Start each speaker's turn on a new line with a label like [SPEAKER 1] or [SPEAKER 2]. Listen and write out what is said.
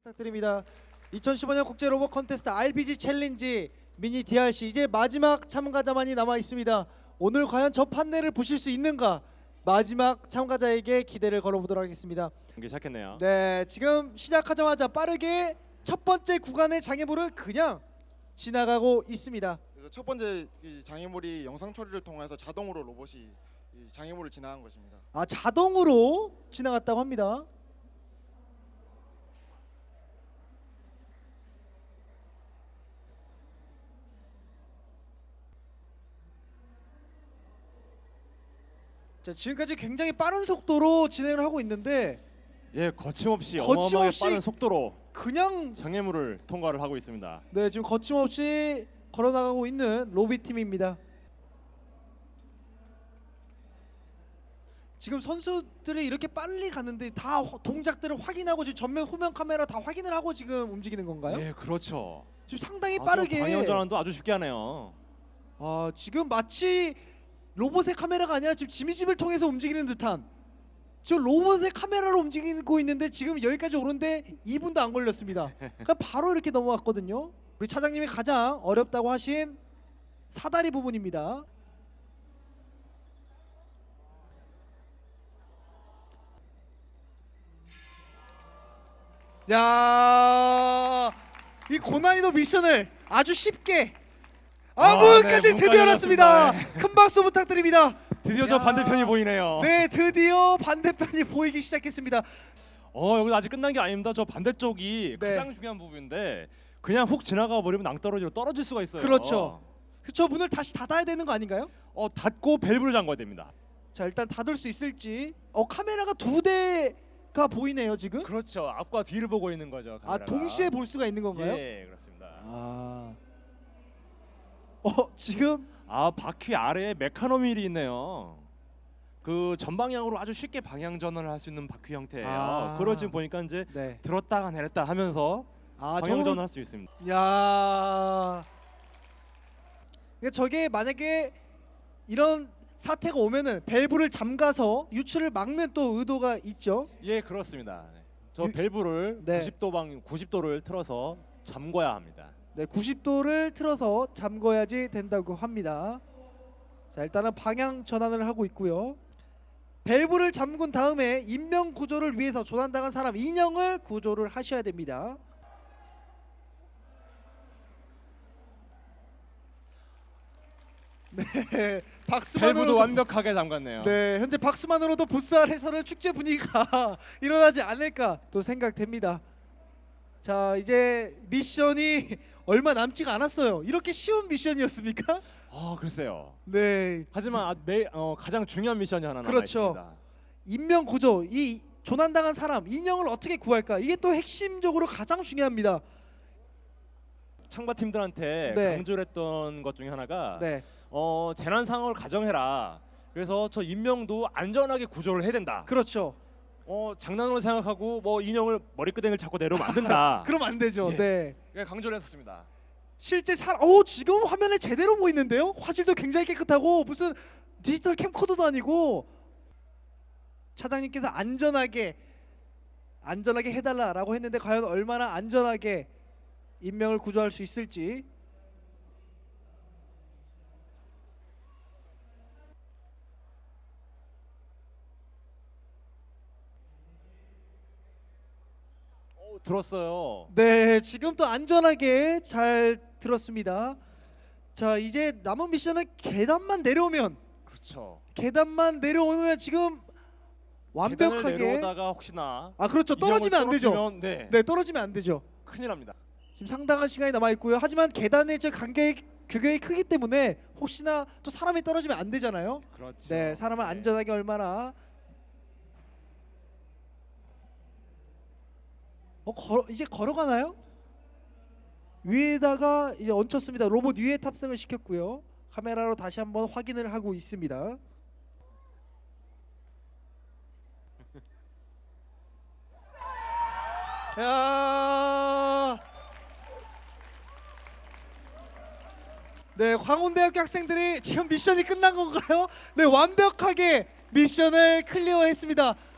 [SPEAKER 1] 부탁드립니다. 2015년 국제 로봇 콘테스트 RBG 챌린지 미니 DRC 이제 마지막 참가자만이 남아 있습니다. 오늘 과연 저 판넬을 보실 수 있는가? 마지막 참가자에게 기대를 걸어보도록 하겠습니다.
[SPEAKER 2] 경기 시작했네요.
[SPEAKER 1] 네, 지금 시작하자마자 빠르게 첫 번째 구간의 장애물을 그냥 지나가고 있습니다.
[SPEAKER 3] 그래서 첫 번째 이 장애물이 영상 처리를 통해서 자동으로 로봇이 이 장애물을 지나간 것입니다.
[SPEAKER 1] 아, 자동으로 지나갔다고 합니다. 자, 지금까지 굉장히 빠른 속도로 진행을 하고 있는데
[SPEAKER 2] 예, 거침없이
[SPEAKER 1] 거침없이
[SPEAKER 2] 어마어마하게 빠른 속도로
[SPEAKER 1] 그냥
[SPEAKER 2] 장애물을 통과를 하고 있습니다.
[SPEAKER 1] 네, 지금 거침없이 걸어나가고 있는 로비 팀입니다. 지금 선수들이 이렇게 빨리 가는데 다 동작들을 확인하고 지금 전면 후면 카메라 다 확인을 하고 지금 움직이는 건가요?
[SPEAKER 2] 예, 그렇죠.
[SPEAKER 1] 지금 상당히 빠르게
[SPEAKER 2] 방해 운전도 아주 쉽게 하네요.
[SPEAKER 1] 아, 지금 마치 로봇의 카메라가 아니라 지금 지미집을 통해서 움직이는 듯한 지금 로봇의 카메라로 움직이고 있는데 지금 여기까지 오는데 2분도 안 걸렸습니다. 그러니까 바로 이렇게 넘어갔거든요. 우리 차장님이 가장 어렵다고 하신 사다리 부분입니다. 야, 이 고난이도 미션을 아주 쉽게 문까지
[SPEAKER 2] 네,
[SPEAKER 1] 드디어
[SPEAKER 2] 문까지
[SPEAKER 1] 열었습니다.
[SPEAKER 2] 열었습니다.
[SPEAKER 1] 큰 박수 부탁드립니다.
[SPEAKER 2] 드디어 저
[SPEAKER 1] 야.
[SPEAKER 2] 반대편이 보이네요.
[SPEAKER 1] 네, 드디어 반대편이 보이기 시작했습니다.
[SPEAKER 2] 여기 아직 끝난 게 아닙니다. 저 반대쪽이
[SPEAKER 1] 네.
[SPEAKER 2] 가장 중요한 부분인데 그냥 훅 지나가 버리면 낭떠러지로 떨어질 수가 있어요.
[SPEAKER 1] 그렇죠. 저 문을 다시 닫아야 되는 거 아닌가요?
[SPEAKER 2] 닫고 밸브를 잠궈야 됩니다.
[SPEAKER 1] 자, 일단 닫을 수 있을지. 카메라가 두 대가 보이네요 지금.
[SPEAKER 2] 그렇죠. 앞과 뒤를 보고 있는 거죠.
[SPEAKER 1] 아,
[SPEAKER 2] 카메라가.
[SPEAKER 1] 동시에 볼 수가 있는 건가요?
[SPEAKER 2] 예, 그렇습니다.
[SPEAKER 1] 지금
[SPEAKER 2] 바퀴 아래에 메카노밀이 있네요. 그 전방향으로 아주 쉽게 방향 전환을 할 수 있는 바퀴 형태예요. 그걸 지금 보니까 이제
[SPEAKER 1] 네.
[SPEAKER 2] 들었다가 내렸다 하면서 방향 전환할 수 있습니다.
[SPEAKER 1] 야. 그러니까 저게 만약에 이런 사태가 오면은 밸브를 잠가서 유출을 막는 또 의도가 있죠.
[SPEAKER 2] 예, 그렇습니다. 저
[SPEAKER 1] 유-
[SPEAKER 2] 밸브를
[SPEAKER 1] 네.
[SPEAKER 2] 90도를 틀어서 잠궈야 합니다.
[SPEAKER 1] 네, 90도를 틀어서 잠궈야지 된다고 합니다. 자, 일단은 방향 전환을 하고 있고요. 밸브를 잠근 다음에 인명 구조를 위해서 조난당한 사람 인형을 구조를 하셔야 됩니다. 네,
[SPEAKER 2] 밸브도
[SPEAKER 1] 박수만으로도
[SPEAKER 2] 완벽하게 잠갔네요.
[SPEAKER 1] 네, 현재 박수만으로도 부스알에서는 축제 분위기가 일어나지 않을까 또 생각됩니다. 자, 이제 미션이 얼마 남지가 않았어요. 이렇게 쉬운 미션이었습니까?
[SPEAKER 2] 글쎄요.
[SPEAKER 1] 네,
[SPEAKER 2] 하지만 가장 중요한 미션이 하나 남아
[SPEAKER 1] 그렇죠.
[SPEAKER 2] 있습니다.
[SPEAKER 1] 인명 구조, 이 조난당한 사람 인형을 어떻게 구할까? 이게 또 핵심적으로 가장 중요합니다.
[SPEAKER 2] 창바 팀들한테
[SPEAKER 1] 네.
[SPEAKER 2] 강조를 했던 것 중에 하나가
[SPEAKER 1] 네,
[SPEAKER 2] 재난 상황을 가정해라. 그래서 저 인명도 안전하게 구조를 해야 된다.
[SPEAKER 1] 그렇죠.
[SPEAKER 2] 장난으로 생각하고 인형을 머리끄댕이를 잡고 내려오면 안 된다.
[SPEAKER 1] 그러면 안 되죠.
[SPEAKER 2] 예.
[SPEAKER 1] 네,
[SPEAKER 2] 강조를 했었습니다.
[SPEAKER 1] 실제 지금 화면에 제대로 보이는데요. 화질도 굉장히 깨끗하고 무슨 디지털 캠코더도 아니고 차장님께서 안전하게 해달라라고 했는데 과연 얼마나 안전하게 인명을 구조할 수 있을지.
[SPEAKER 2] 들었어요.
[SPEAKER 1] 네, 지금 또 안전하게 잘 들었습니다. 자, 이제 남은 미션은 계단만 내려오면
[SPEAKER 2] 그렇죠.
[SPEAKER 1] 지금
[SPEAKER 2] 계단을
[SPEAKER 1] 완벽하게
[SPEAKER 2] 내려오다가 혹시나
[SPEAKER 1] 그렇죠. 떨어지면 안 되죠.
[SPEAKER 2] 떨어지면, 네,
[SPEAKER 1] 네, 떨어지면 안 되죠.
[SPEAKER 2] 큰일 납니다.
[SPEAKER 1] 지금 상당한 시간이 남아 있고요. 하지만 계단의 규격이 크기 때문에 혹시나 또 사람이 떨어지면 안 되잖아요.
[SPEAKER 2] 그렇죠.
[SPEAKER 1] 네, 사람을 안전하게 얼마나 이제 걸어가나요? 위에다가 이제 얹혔습니다. 로봇 위에 탑승을 시켰고요. 카메라로 다시 한번 확인을 하고 있습니다. 야. 네, 광운대학교 학생들이 지금 미션이 끝난 건가요? 네, 완벽하게 미션을 클리어했습니다.